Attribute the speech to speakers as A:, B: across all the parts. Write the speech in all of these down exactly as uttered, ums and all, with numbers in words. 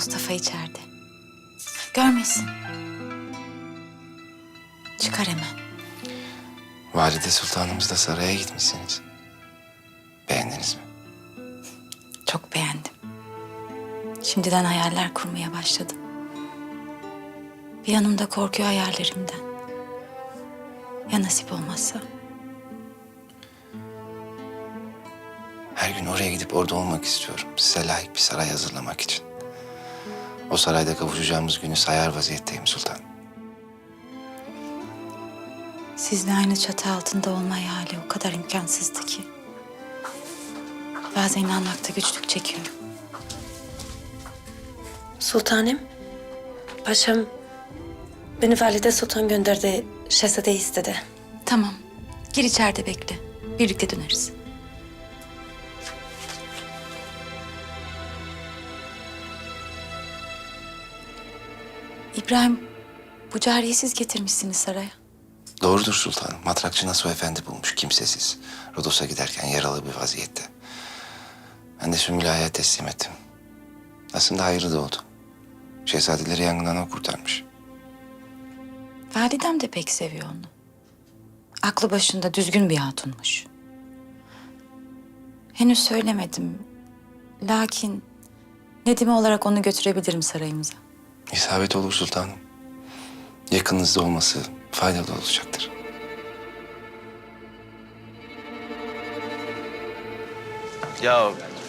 A: Mustafa içeride. Görmesin. Çıkar hemen.
B: Valide Sultanımızla saraya gitmişsiniz. Beğendiniz mi?
A: Çok beğendim. Şimdiden hayaller kurmaya başladım. Bir yanım da korkuyor hayallerimden. Ya nasip olmazsa?
B: Her gün oraya gidip orada olmak istiyorum. Size layık bir saray hazırlamak için. O sarayda kavuşacağımız günü sayar vaziyetteyim sultanım.
A: Sizle aynı çatı altında olma hayali o kadar imkansızdı ki. Bazen inanmakta güçlük çekiyorum.
C: Sultanım, paşam beni Valide Sultan gönderdi, şehzadeyi istedi.
A: Tamam. Gir içeride bekle. Birlikte döneriz. İbrahim, bu cariyeyi siz getirmişsiniz saraya.
B: Doğrudur sultanım. Matrakçı Nasuh Efendi bulmuş, kimsesiz. Rodos'a giderken yaralı bir vaziyette. Ben de Sümbül Ağa'ya teslim ettim. Aslında hayırlı da oldu. Şehzadeleri yangından o kurtarmış.
A: Validem de pek seviyor onu. Aklı başında düzgün bir hatunmuş. Henüz söylemedim. Lakin Nedime olarak onu götürebilirim sarayımıza.
B: İsabet olur sultanım. Yakınınızda olması faydalı olacaktır.
D: Ya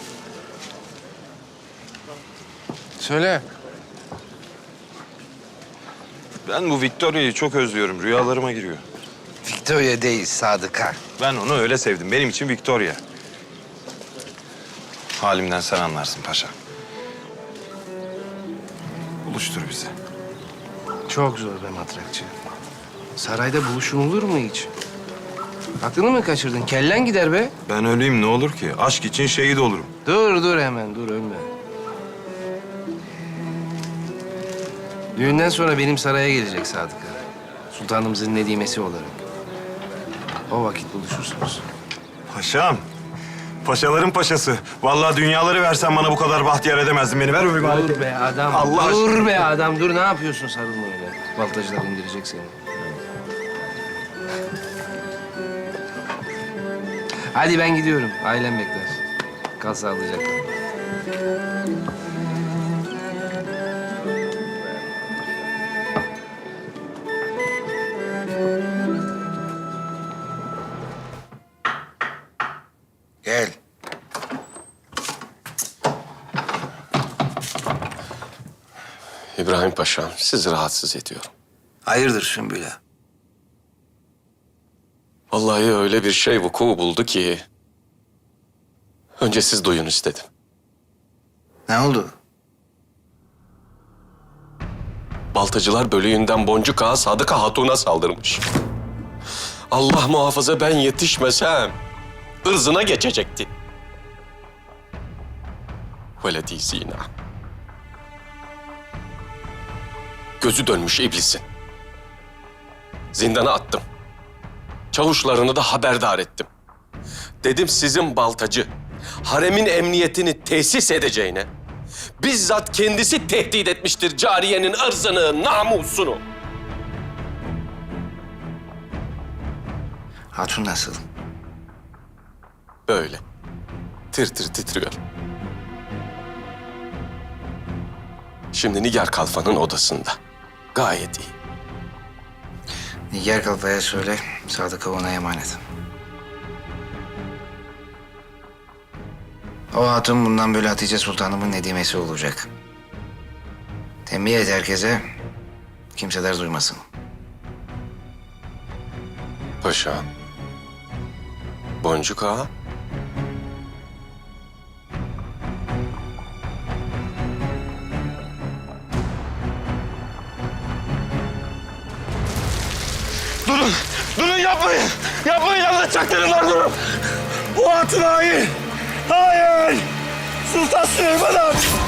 B: Söyle.
D: ben bu Victoria'yı çok özlüyorum. Rüyalarıma giriyor.
B: Victoria değil, Sadıka.
D: Ben onu öyle sevdim. Benim için Victoria. Halimden sen anlarsın paşa. Buluştur bizi.
E: Çok zor be matrakçı. Sarayda buluşulur mu hiç? Aklını mı kaçırdın? Kellen gider be.
D: Ben öleyim ne olur ki? Aşk için şehit olurum.
E: Dur dur hemen dur ölme. Düğünden sonra benim saraya gelecek Sadıka. Sultanımızın nedimesi olarak. O vakit buluşursunuz.
D: Paşam. Paşaların paşası. Vallahi dünyaları versen bana bu kadar bahtiyar edemezdin beni. Ver o emaneti.
E: Dur be adam.
D: Allah
E: dur
D: aşkına.
E: be adam. Dur ne yapıyorsun sarılma öyle. Baltacılar indirecek seni. Hadi ben gidiyorum. Ailem bekler. Kal sağlıcakla.
B: Gel.
F: İbrahim Paşa'm, sizi rahatsız ediyorum.
B: Hayırdır Sümbül Ağa?
F: Vallahi öyle bir şey vuku buldu ki... önce siz duyun istedim.
B: Ne oldu?
F: Baltacılar bölüğünden Boncuk Ağa Sadıka Hatun'a saldırmış. Allah muhafaza ben yetişmesem... ırzına geçecekti. Veledi zina. Gözü dönmüş iblisin. Zindana attım. Çavuşlarını da haberdar ettim. Dedim sizin baltacı, haremin emniyetini tesis edeceğine... bizzat kendisi tehdit etmiştir cariyenin ırzını, namusunu.
B: Hatun nasıl?
F: Böyle. Tir tir titriyor. Şimdi Nigar Kalfa'nın odasında. Gayet iyi.
B: Nigar Kalfa'ya söyle, Sadıka ona emanet. O hatun bundan böyle Hatice Sultanımın nedimesi olacak. Tembih et herkese, kimseler duymasın.
F: Paşa. Boncuk Ağa.
D: Durun! Durun yapmayın! Yapmayın anlatacaklarımlar durun! Bu hatun hain! Hayır! Sultan Süleyman Han!